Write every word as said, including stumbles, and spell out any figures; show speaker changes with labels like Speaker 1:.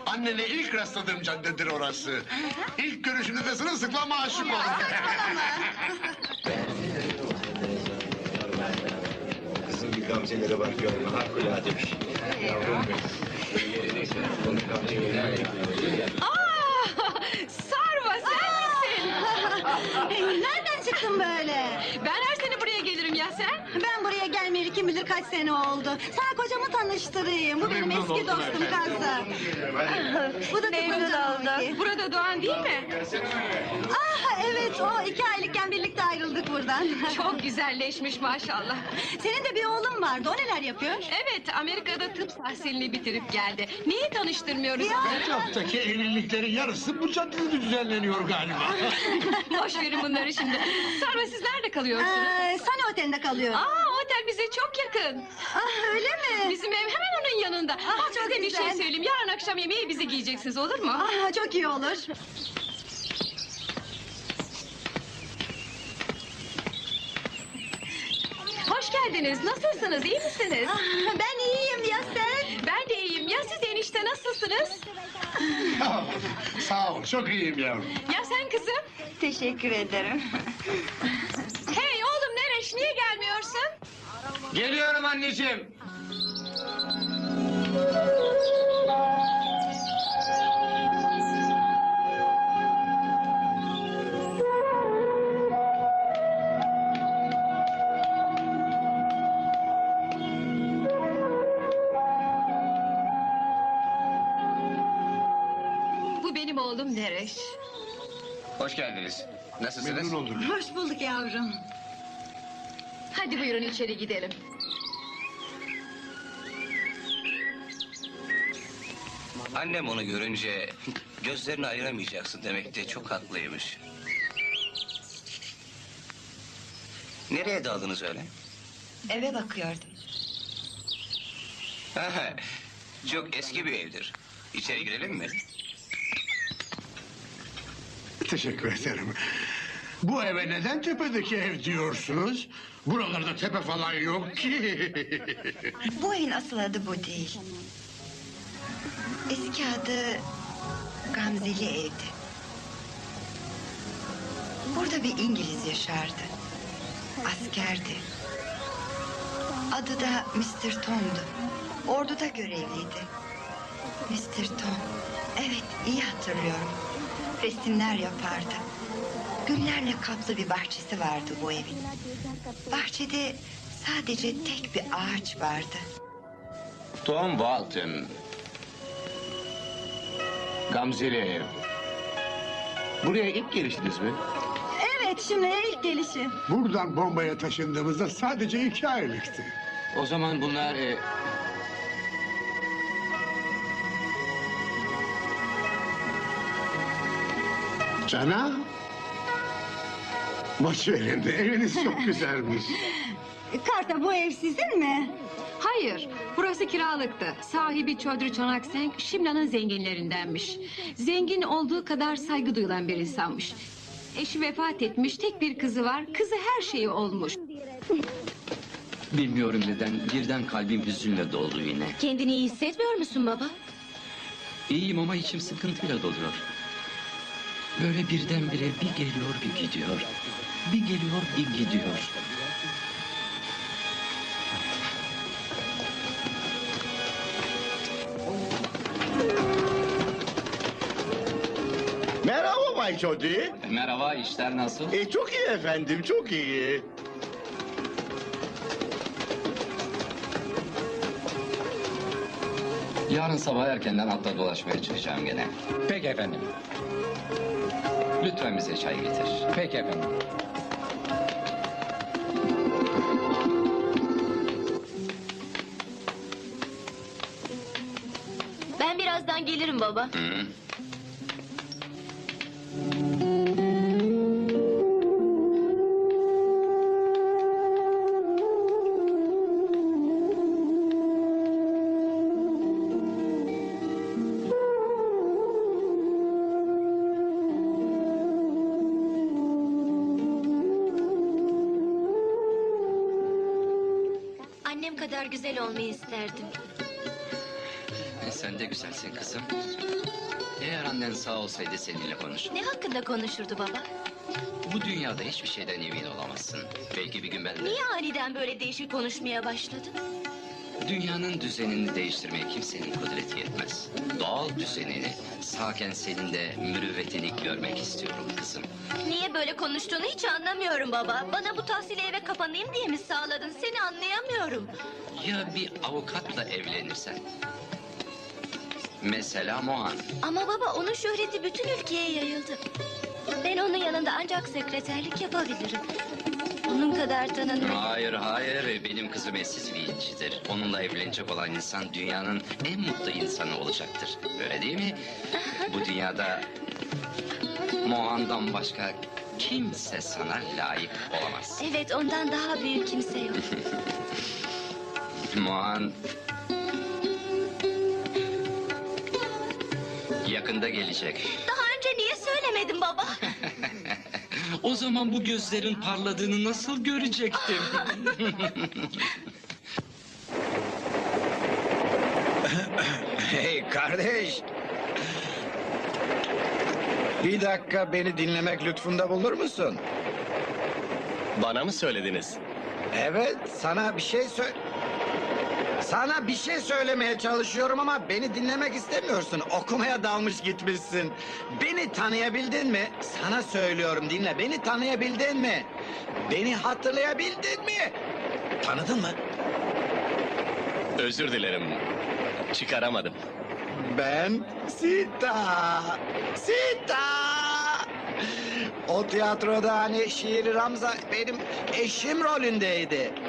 Speaker 1: Annene ilk rastladığım caddedir orası. İlk görüşünüzde sırılsıklam aşık oldum.
Speaker 2: Kızım bir gamzelere bak görme, harikulade bir şey. Yavrum benim. Bunu gamzelere
Speaker 3: Aa, Sarma sen misin?
Speaker 4: Nereden çıktın böyle?
Speaker 3: Ben her sene buraya gelirim ya sen.
Speaker 4: Ben buraya gelmeyeli kim bilir kaç sene oldu. Sana kocamı tanıştırayım. Bu benim
Speaker 1: Memnun
Speaker 4: eski
Speaker 1: oldum
Speaker 4: dostum
Speaker 1: efendim.
Speaker 4: Kazı. Bu da
Speaker 3: Memnun
Speaker 4: kocam
Speaker 3: oldum.
Speaker 4: Hulki.
Speaker 3: Burada Doğan değil mi?
Speaker 4: Ah evet, o iki aylıkken birlikte ayrıldık buradan.
Speaker 3: Çok güzelleşmiş maşallah.
Speaker 4: Senin de bir oğlun vardı. O neler yapıyor?
Speaker 3: Evet, Amerika'da tıp tahsilini bitirip geldi. Niye tanıştırmıyoruz
Speaker 4: Ya.
Speaker 3: onları?
Speaker 1: Etraftaki evliliklerin yarısı bu caddede düzenleniyor galiba.
Speaker 3: Boş verin bunları şimdi. Sarma siz nerede kalıyorsunuz?
Speaker 4: Ee, Sana Otel'de kalıyor.
Speaker 3: Aa, otel bize çok yakın.
Speaker 4: Ah öyle mi?
Speaker 3: Bizim ev hemen onun yanında.
Speaker 4: Ah,
Speaker 3: Bak
Speaker 4: çok
Speaker 3: size bir şey
Speaker 4: güzel.
Speaker 3: söyleyeyim. Yarın akşam yemeği bizi giyeceksiniz, olur mu?
Speaker 4: Ah çok iyi olur.
Speaker 3: Hoş geldiniz. Nasılsınız? İyi misiniz?
Speaker 4: Ah, ben iyiyim ya sen?
Speaker 3: Ben de iyiyim. Ya siz enişte nasılsınız?
Speaker 1: Sağ ol, çok iyiyim yavrum.
Speaker 3: Ya sen kızım?
Speaker 4: Teşekkür ederim.
Speaker 3: Hey oğlum Nereş niye gelmiyorsun?
Speaker 2: Geliyorum anneciğim.
Speaker 3: Bu benim oğlum Nereş.
Speaker 2: Hoş geldiniz. Nasılsınız?
Speaker 1: Memnun oldum.
Speaker 4: Hoş bulduk yavrum.
Speaker 3: Hadi buyurun içeri gidelim.
Speaker 5: Annem onu görünce gözlerini ayıramayacaksın demekte çok haklıymış. Nereye daldınız öyle?
Speaker 6: Eve bakıyordum.
Speaker 5: Ha, çok eski bir evdir. İçeri girelim mi?
Speaker 1: Teşekkür ederim. Bu eve neden tepedeki ev diyorsunuz? Buralarda tepe falan yok ki.
Speaker 6: Bu evin asıl adı bu değil. Eski adı Gamzeli evdi. Burada bir İngiliz yaşardı. Askerdi. Adı da mister Tom'du. Orduda görevliydi. mister Tom. Evet, iyi hatırlıyorum. Resimler yapardı. Güllerle kaplı bir bahçesi vardı bu evin. Bahçede sadece tek bir ağaç vardı.
Speaker 2: Tom Walton. Gamzeli ev. Buraya ilk geliştiniz mi?
Speaker 4: Evet şimdi ilk gelişi.
Speaker 1: Buradan bombaya taşındığımızda sadece iki aylıktı.
Speaker 2: O zaman bunlar... E...
Speaker 1: Cana? Boş verin, eviniz çok güzelmiş.
Speaker 4: Karta bu ev sizin mi?
Speaker 3: Hayır, burası kiralıktı. Sahibi Çödrü Çonakseng, Şimla'nın zenginlerindenmiş. Zengin olduğu kadar saygı duyulan bir insanmış. Eşi vefat etmiş, tek bir kızı var. Kızı her şeyi olmuş.
Speaker 7: Bilmiyorum neden, birden kalbim hüzünle doldu yine.
Speaker 3: Kendini iyi hissetmiyor musun baba?
Speaker 7: İyiyim ama içim sıkıntıyla doluyor. Böyle birdenbire bir geliyor bir gidiyor. Bir geliyor bir gidiyor.
Speaker 8: Merhaba Bay Çodi.
Speaker 7: Merhaba, işler nasıl?
Speaker 8: E, çok iyi efendim, çok iyi.
Speaker 7: Yarın sabah erkenden hatta dolaşmaya çıkacağım gene.
Speaker 2: Peki efendim.
Speaker 7: Lütfen bize çay getir.
Speaker 2: Peki efendim.
Speaker 3: Ben birazdan gelirim baba.
Speaker 7: Hı.
Speaker 3: Annem kadar güzel olmayı isterdim.
Speaker 7: Sen de güzelsin kızım. annen sağ olsaydı seninle konuşur.
Speaker 9: Ne hakkında konuşurdu baba?
Speaker 7: Bu dünyada hiçbir şeyden emin olamazsın. Belki bir gün ben de...
Speaker 9: Niye aniden böyle değişik konuşmaya başladın?
Speaker 7: Dünyanın düzenini değiştirmeye kimsenin kudreti yetmez. Doğal düzenini sağken senin de mürüvvetini görmek istiyorum kızım.
Speaker 9: Niye böyle konuştuğunu hiç anlamıyorum baba. Bana bu tahsili eve kapanayım diye mi sağladın? Seni anlayamıyorum.
Speaker 7: Ya bir avukatla evlenirsen? Mesela Mohan.
Speaker 9: Ama baba onun şöhreti bütün ülkeye yayıldı. Ben onun yanında ancak sekreterlik yapabilirim. Onun kadar tanınır.
Speaker 7: Hayır hayır, benim kızım eşsiz bir incidir. Onunla evlenecek olan insan dünyanın en mutlu insanı olacaktır. Öyle değil mi? Bu dünyada Mohan'dan başka kimse sana layık olamaz.
Speaker 9: Evet, ondan daha büyük kimse yok.
Speaker 7: Mohan yakında gelecek.
Speaker 9: Daha önce niye söylemedin baba?
Speaker 7: O zaman bu gözlerin parladığını nasıl görecektim?
Speaker 2: Hey kardeş. Bir dakika beni dinlemek lütfunda bulur musun?
Speaker 8: Bana mı söylediniz?
Speaker 2: Evet, sana bir şey söyle... Sana bir şey söylemeye çalışıyorum ama beni dinlemek istemiyorsun. Okumaya dalmış gitmişsin. Beni tanıyabildin mi? Sana söylüyorum, dinle. Beni tanıyabildin mi? Beni hatırlayabildin mi? Tanıdın mı?
Speaker 8: Özür dilerim. Çıkaramadım.
Speaker 2: Ben Sita. Sita. O tiyatroda hani şiir Ramza benim eşim rolündeydi.